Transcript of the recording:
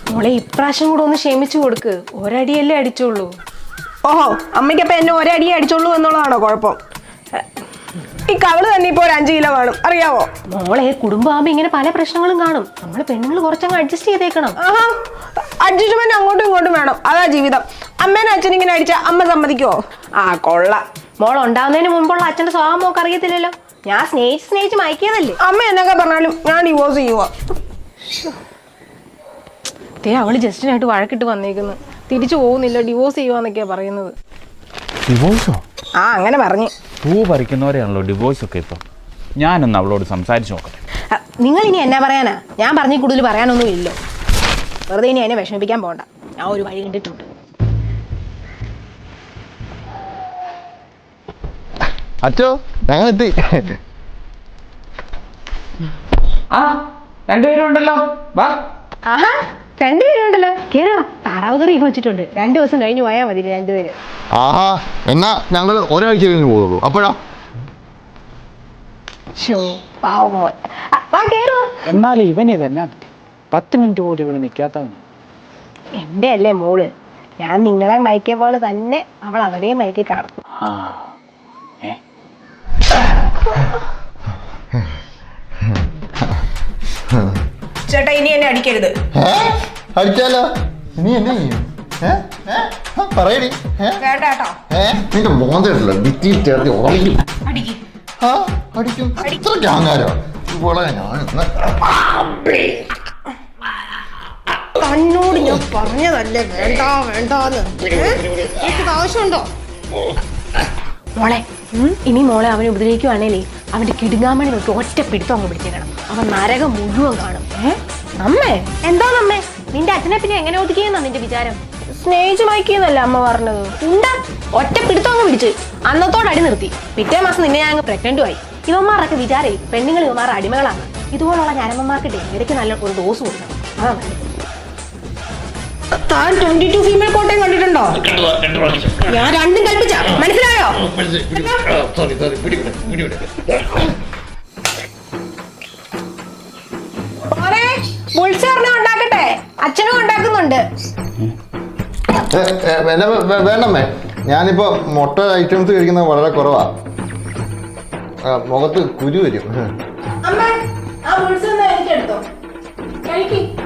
മോളെ ഇപ്രാവശ്യം കൂടെ ഒന്ന് ക്ഷമിച്ചു കൊടുക്ക്. ഒരടിയല്ലേ അടിച്ചോളൂ. ഓഹോ, അമ്മയ്ക്കപ്പം എന്നെ ഒരടിയെ അടിച്ചോളൂ എന്നുള്ളതാണോ കുഴപ്പം? ഈ കവള് തന്നെ ഇപ്പൊ ഒരു 5 കിലോ കാണും, അറിയാവോ? മോളെ കുടുംബമാകുമ്പോ ഇങ്ങനെ പല പ്രശ്നങ്ങളും കാണും. നമ്മള് പെണ്ണുങ്ങൾ കുറച്ചങ്ങ് അഡ്ജസ്റ്റ് ചെയ്തേക്കണം. ആഹാ, അഡ്ജസ്റ്റ്മെന്റ് അങ്ങോട്ടും ഇങ്ങോട്ടും വേണം, അതാ ജീവിതം. അമ്മേനെ അച്ഛൻ ഇങ്ങനെ അടിച്ച അമ്മ സമ്മതിക്കുവോ? ആ കൊള്ള. മോൾ ഉണ്ടാവുന്നതിന് മുമ്പുള്ള അച്ഛന്റെ സ്വഭാവം മോക്ക് അറിയത്തില്ലല്ലോ. ഞാൻ സ്നേഹിച്ച് മയക്കിയതല്ലേ. അമ്മ എന്നൊക്കെ പറഞ്ഞാലും ഞാൻ ഡിവോഴ്സ് ചെയ്യുക. അവള് ജസ്റ്റിനായിട്ട് വഴക്കിട്ട് വന്നേക്കുന്നു. തിരിച്ചു പോകുന്നില്ല, ഡിവോഴ്സ് ചെയ്യുവാന്നൊക്കെയാ പറയുന്നത്. ഡിവോഴ്സോ? ആ, അങ്ങനെ പറഞ്ഞു. പൂ പറിക്കുന്നവരെയാണല്ലോ ഡിവോഴ്സ് ഒക്കെ ഇപ്പം. ഞാനൊന്ന് അവളോട് സംസാരിച്ച് നോക്കട്ടെ. നിങ്ങൾ ഇനി എന്നാ പറയാനാ? ഞാൻ പറഞ്ഞ കൂടുതൽ പറയാനൊന്നും ഇല്ലോ. വെറുതെ ഇനി അതിനെ വിഷമിപ്പിക്കാൻ പോകണ്ട. ഞാൻ ഒരു വഴി കണ്ടിട്ടുണ്ട്. അച്ചോ, ഞങ്ങൾ എത്തി. ആ, രണ്ടുപേരുണ്ടല്ലോ. വാ. ആഹാ, 2 പേരുണ്ടല്ലോ. കേറാ. താറാവ് കറി വെച്ചിട്ടുണ്ട്. 2 ദിവസം കഴിഞ്ഞ് പോയാൽ മതി 2 പേര്. ആഹാ, എന്നാ ഞങ്ങൾ ഒരാഴ്ച കഴിഞ്ഞ് പോകുള്ളൂ. അപ്പോഴാ എന്നാലും ഇവനിതെന്നാ 10 മിനിറ്റ് പോലും ഇവിടെ നിൽക്കാത്തവന്. എന്റെ അല്ലേ മോള്. ഞാൻ നിങ്ങളെ മയക്കിയ പോലെ തന്നെ അവൾ അവരെയും മയക്കി കാണും. ചേട്ടാ, ഇനി എന്നെ അടിക്കരുത്. അടിച്ചാലോ? നീ എന്നെ ചെയ്യും? പറയടി. വേണ്ട കേട്ടോ. നിന്റെ മോന്തല്ലോ ഭിത്തിയിൽ ചേർത്ത് ഉറങ്ങിക്കും. അടിക്ക്. അടിക്കും. ഇത്രയ്ക്ക് അഹങ്കാരോ? ഇവളെ ഞാൻ തന്നോട് ഞാൻ പറഞ്ഞതല്ലേ വേണ്ട വേണ്ടാന്ന്. എനിക്കത് ആവശ്യമുണ്ടോ? മോളെ, ഇനി മോളെ അവനെ ഉപദ്രവിക്കുവാണേലേ അവന്റെ കിടുങ്ങാമണി നോക്കി ഒറ്റ പിടുത്തം അങ്ങ് പിടിച്ചേക്കണം. അവൻ നരകം മുഴുവൻ കാണും. അമ്മേ, എന്താന്നമ്മേ? നിന്റെ അച്ഛനെ പിന്നെ എങ്ങനെ ഒതുക്കിയെന്നാ നിന്റെ വിചാരം? സ്നേഹിച്ച് മയക്കിയെന്നല്ലേ അമ്മ പറഞ്ഞത്? ഉണ്ടാ ഒറ്റ പിടുത്തം അങ്ങ് പിടിച്ച് അന്നത്തോടെ അടി നിർത്തി. പിറ്റേ മാസം നിന്നെ ഞാൻ അങ്ങ് പ്രഗ്നന്റും ആയി. ഇവന്മാരൊക്കെ വിചാരേ പെണ്ണുങ്ങൾ ഇവന്മാരുടെ അടിമകളാണ്. ഇതുപോലുള്ള ഞരമ്പന്മാർക്ക് ഇടയ്ക്ക് നല്ല ഒരു ഡോസ് കൊടുക്കണം. അതാ താൻ 22 ഫീമെയിൽ കോട്ടയം കണ്ടിട്ടുണ്ടോ? ഞാൻ രണ്ടും കൽപ്പിച്ച മനസ്സിലായോ? ഉണ്ടാക്കട്ടെ, അച്ഛനും ഉണ്ടാക്കുന്നുണ്ട്. വേണ്ടമ്മേ, ഞാനിപ്പോ മുട്ട ഐറ്റംസ് കഴിക്കുന്നത് വളരെ കുറവാ. മുഖത്ത് കുരു വരും. അമ്മ, ആ ബുൾസ് ഒന്ന് എനിക്കെടുത്തോ. കഴിക്ക്.